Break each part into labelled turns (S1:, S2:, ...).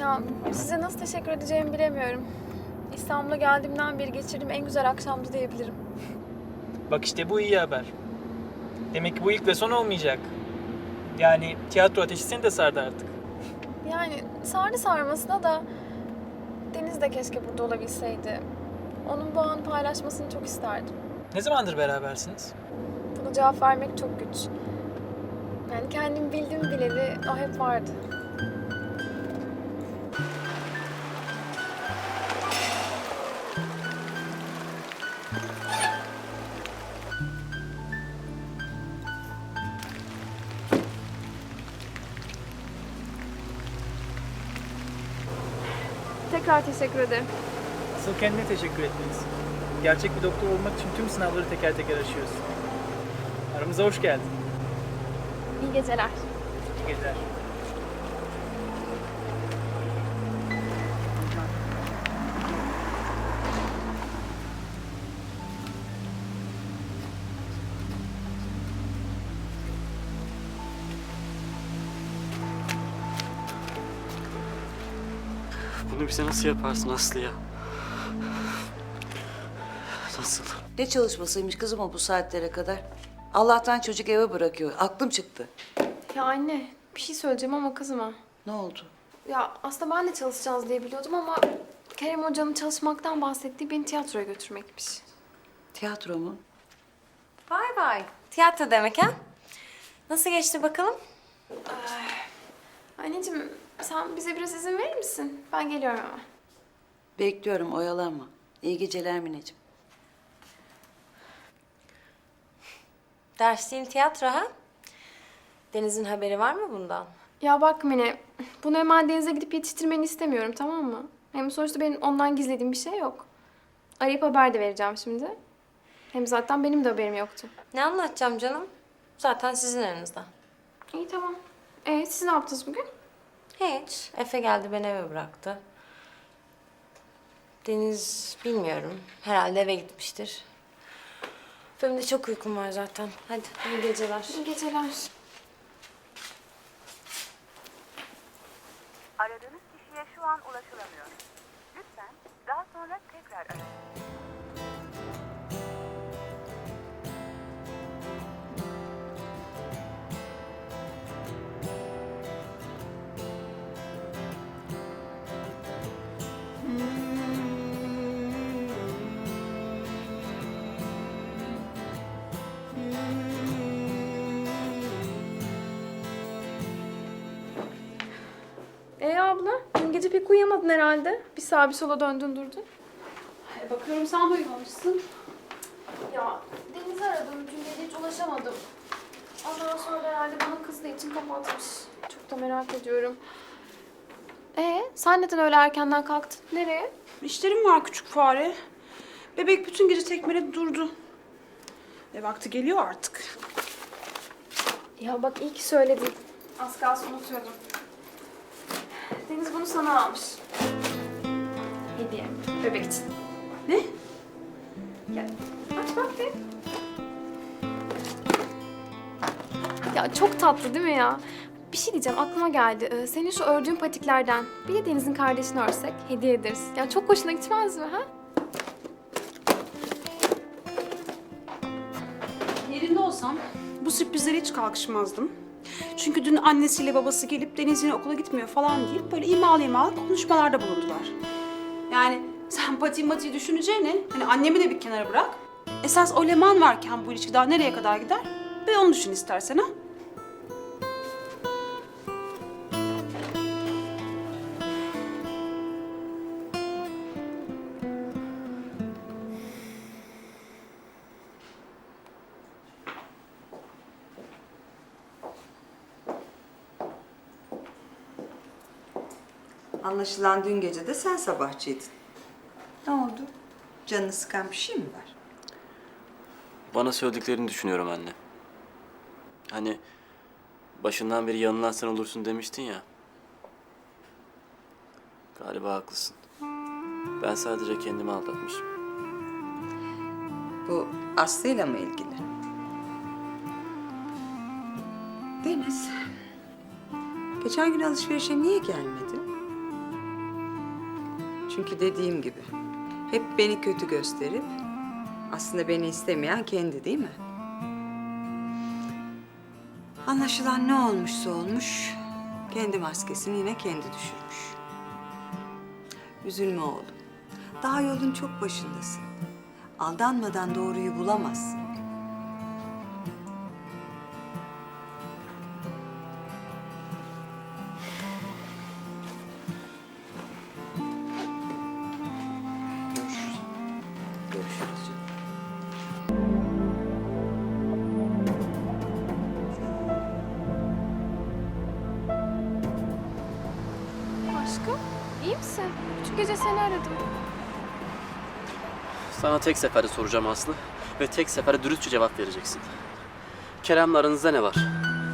S1: Ya size nasıl teşekkür edeceğimi bilemiyorum. İstanbul'a geldiğimden beri geçirdiğim en güzel akşamdı diyebilirim.
S2: Bak işte bu iyi haber. Demek ki bu ilk ve son olmayacak. Yani tiyatro ateşi seni de sardı artık.
S1: Yani sardı sarmasına da Deniz de keşke burada olabilseydi. Onun bu anı paylaşmasını çok isterdim.
S2: Ne zamandır berabersiniz?
S1: Buna cevap vermek çok güç. Yani kendim bildim bileli o hep vardı. Tekrar teşekkür ederim.
S2: Asıl kendine teşekkür etmelisin. Gerçek bir doktor olmak için tüm sınavları teker teker aşıyorsun. Aramıza hoş geldin.
S1: İyi geceler.
S2: İyi geceler.
S3: Bunu bize nasıl yaparsın Aslı ya? Nasıl?
S4: Ne çalışmasıymış kızım o bu saatlere kadar? Allah'tan çocuk eve bırakıyor. Aklım çıktı.
S1: Ya anne bir şey söyleyeceğim ama kızma.
S4: Ne oldu?
S1: Ya aslında ben de çalışacağız diye biliyordum ama Kerem Hoca'nın çalışmaktan bahsettiği beni tiyatroya götürmekmiş.
S4: Tiyatro mu?
S5: Vay vay. Tiyatro demek ha? Nasıl geçti bakalım?
S1: Anneciğim sen bize biraz izin verir misin? Ben geliyorum hemen.
S4: Bekliyorum, oyalanma. İyi geceler Mineciğim.
S5: Dersliğin tiyatro ha? Deniz'in haberi var mı bundan?
S1: Ya bak Mine, bunu hemen denize gidip yetiştirmeni istemiyorum, tamam mı? Hem sonuçta benim ondan gizlediğim bir şey yok. Arayıp haber de vereceğim şimdi. Hem zaten benim de haberim yoktu.
S5: Ne anlatacağım canım? Zaten sizin aranızda.
S1: İyi tamam. Siz ne yaptınız bugün?
S5: Hiç. Efe geldi beni eve bıraktı. Deniz bilmiyorum. Herhalde eve gitmiştir. Benim de çok uykum var zaten. Hadi iyi geceler.
S1: İyi geceler.
S6: Aradığınız kişiye şu an ulaşılamıyor. Lütfen daha sonra tekrar arayın.
S1: Abla, dün gece pek uyuyamadın herhalde. Bir sağa bir sola döndün durdun.
S7: Bakıyorum sen de uyumamışsın.
S1: Ya Deniz'i aradım, dün gece hiç ulaşamadım. Ondan sonra herhalde bana kızdığı için kapatmış. Çok da merak ediyorum. Sen neden öyle erkenden kalktın? Nereye?
S7: İşlerim var küçük fare. Bebek bütün gece tekmeledi durdu. Vakti geliyor artık.
S1: Ya bak iyi ki söyledin. Az kalsın unutuyordum. Deniz bunu sana almış. Hediye. Bebek için.
S7: Ne?
S1: Gel. Aç bak bir. Ya çok tatlı değil mi ya? Bir şey diyeceğim aklıma geldi. Senin şu ördüğün patiklerden bir de Deniz'in kardeşini örsek hediye ederiz. Ya çok hoşuna gitmez mi ha?
S7: Yerinde olsam bu sürprizlere hiç kalkışmazdım. Çünkü dün annesiyle babası gelip Deniz yine okula gitmiyor falan deyip böyle imalı konuşmalarda bulundular. Yani sen pati düşüneceğine hani annemi de bir kenara bırak. Esas o Leman varken bu ilişki daha nereye kadar gider? Bir onu düşün istersen ha.
S8: Anlaşılan dün gece de sen sabahçıydın. Ne oldu? Canını sıkan bir şey mi var?
S3: Bana söylediklerini düşünüyorum anne. Hani başından beri yanılan sen olursun demiştin ya. Galiba haklısın. Ben sadece kendimi aldatmışım.
S8: Bu Aslı'yla mı ilgili? Deniz, geçen gün alışverişe niye gelmedin? Çünkü dediğim gibi hep beni kötü gösterip aslında beni istemeyen kendi değil mi? Anlaşılan ne olmuşsa olmuş kendi maskesini yine kendi düşürmüş. Üzülme oğlum. Daha yolun çok başındasın. Aldanmadan doğruyu bulamazsın.
S3: Görüşürüz. Görüşürüz canım.
S1: Aşkım, iyi misin? Bütün gece seni aradım.
S3: Sana tek seferde soracağım Aslı ve tek seferde dürüstçe cevap vereceksin. Kerem'le aranızda ne var?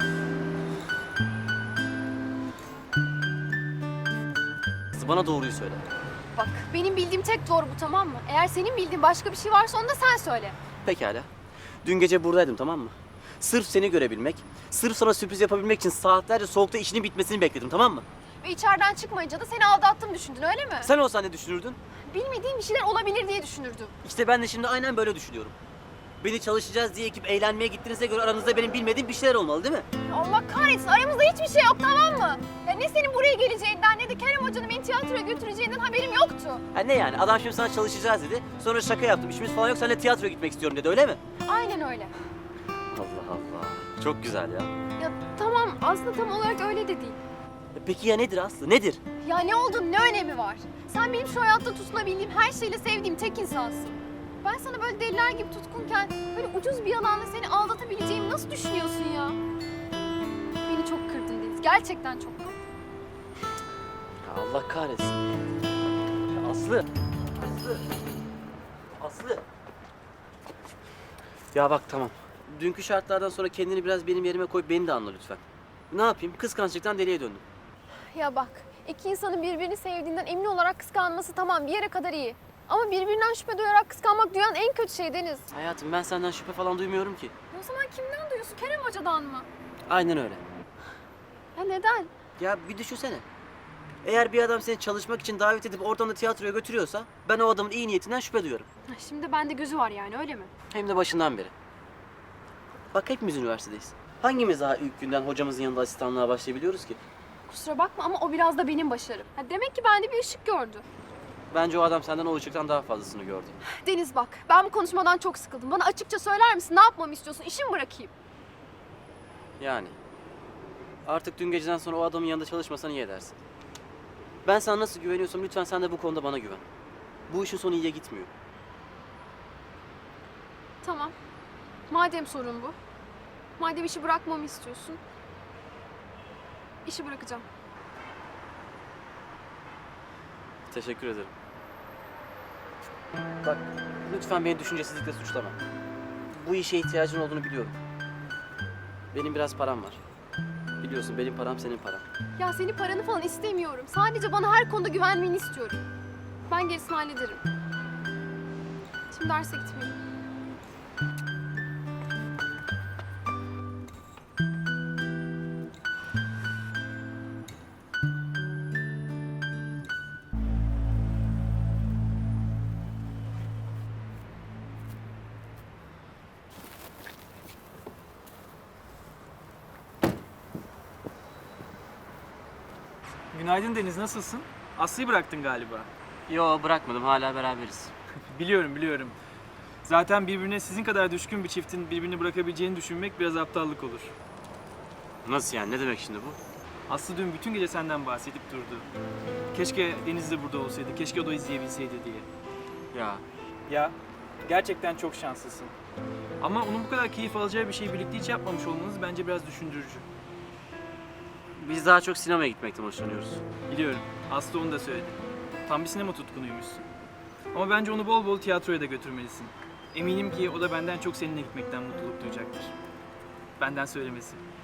S3: Bana doğruyu söyle.
S1: Bak, benim bildiğim tek doğru bu, tamam mı? Eğer senin bildiğin başka bir şey varsa onu da sen söyle.
S3: Pekala. Dün gece buradaydım, tamam mı? Sırf seni görebilmek, sırf sana sürpriz yapabilmek için saatlerce soğukta işinin bitmesini bekledim, tamam mı?
S1: Ve içeriden çıkmayınca da seni aldattım düşündün, öyle mi?
S3: Sen olsan ne düşünürdün?
S1: Bilmediğim bir şeyler olabilir diye düşünürdüm.
S3: İşte ben de şimdi aynen böyle düşünüyorum. Beni çalışacağız diye ekip eğlenmeye gittiğinize göre aranızda benim bilmediğim bir şeyler olmalı değil mi?
S1: Allah kahretsin, aramızda hiçbir şey yok, tamam mı? Ya ne senin buraya geleceğinden ne de Kerem Hoca'nın beni tiyatroya götüreceğinden haberim yoktu.
S3: Ha ne yani? Adam şimdi sana çalışacağız dedi. Sonra şaka yaptım. İşimiz falan yok. Seninle tiyatroya gitmek istiyorum dedi. Öyle mi?
S1: Aynen öyle.
S3: Allah Allah. Çok güzel ya.
S1: Ya tamam, aslında tam olarak öyle de değil.
S3: Peki ya nedir Aslı? Nedir?
S1: Ya ne olduğunun ne önemi var? Sen benim şu hayatta tutunabildiğim, her şeyle sevdiğim tek insansın. Ben sana böyle deliler gibi tutkunken böyle ucuz bir yalanla seni aldatabileceğimi nasıl düşünüyorsun ya? Beni çok kırdın Deniz. Gerçekten çok kırdın.
S3: Ya Allah kahretsin. Ya Aslı. Aslı. Aslı. Ya bak tamam. Dünkü şartlardan sonra kendini biraz benim yerime koyup beni de anla lütfen. Ne yapayım? Kıskançlıktan deliye döndüm.
S1: Ya bak, iki insanın birbirini sevdiğinden emin olarak kıskanması tamam bir yere kadar iyi. Ama birbirinden şüphe duyarak kıskanmak dünyanın en kötü şey Deniz.
S3: Hayatım ben senden şüphe falan duymuyorum ki.
S1: O zaman kimden duyuyorsun? Kerem Hoca'dan mı?
S3: Aynen öyle.
S1: Ya neden?
S3: Ya bir düşünsene. Eğer bir adam seni çalışmak için davet edip oradan da tiyatroya götürüyorsa ben o adamın iyi niyetinden şüphe duyuyorum.
S1: Şimdi bende gözü var yani, öyle mi?
S3: Hem de başından beri. Bak hepimiz üniversitedeyiz. Hangimiz daha ilk günden hocamızın yanında asistanlığa başlayabiliyoruz ki?
S1: Kusura bakma ama o biraz da benim başarım. Ha, demek ki bende bir ışık gördü.
S3: Bence o adam senden o ışıktan daha fazlasını gördü.
S1: Deniz bak, ben bu konuşmadan çok sıkıldım. Bana açıkça söyler misin? Ne yapmamı istiyorsun? İşi mi bırakayım?
S3: Yani. Artık dün geceden sonra o adamın yanında çalışmasan iyi edersin. Ben sana nasıl güveniyorsam lütfen sen de bu konuda bana güven. Bu işin sonu iyiye gitmiyor.
S1: Tamam. Madem sorun bu. Madem işi bırakmamı istiyorsun. İşi bırakacağım.
S3: Teşekkür ederim. Bak lütfen beni düşüncesizlikle suçlama. Bu işe ihtiyacın olduğunu biliyorum. Benim biraz param var. Biliyorsun benim param senin paran.
S1: Ya senin paranı falan istemiyorum. Sadece bana her konuda güvenmeni istiyorum. Ben gerisini hallederim. Şimdi derse gitmeyeyim.
S2: Günaydın Deniz, nasılsın? Aslı'yı bıraktın galiba.
S3: Yo bırakmadım hala beraberiz.
S2: Biliyorum, biliyorum. Zaten birbirine sizin kadar düşkün bir çiftin birbirini bırakabileceğini düşünmek biraz aptallık olur.
S3: Nasıl yani ne demek şimdi bu?
S2: Aslı dün bütün gece senden bahsedip durdu. Keşke Deniz de burada olsaydı, keşke o da izleyebilseydi diye.
S3: Ya
S2: Ya, gerçekten çok şanslısın. Ama onun bu kadar keyif alacağı bir şeyi birlikte hiç yapmamış olmanız bence biraz düşündürücü.
S3: biz daha çok sinemaya gitmekten hoşlanıyoruz.
S2: Biliyorum, Aslı onu da söyledi. Tam bir sinema tutkunuymuşsun. Ama bence onu bol bol tiyatroya da götürmelisin. Eminim ki o da benden çok seninle gitmekten mutluluk duyacaktır. Benden söylemesi.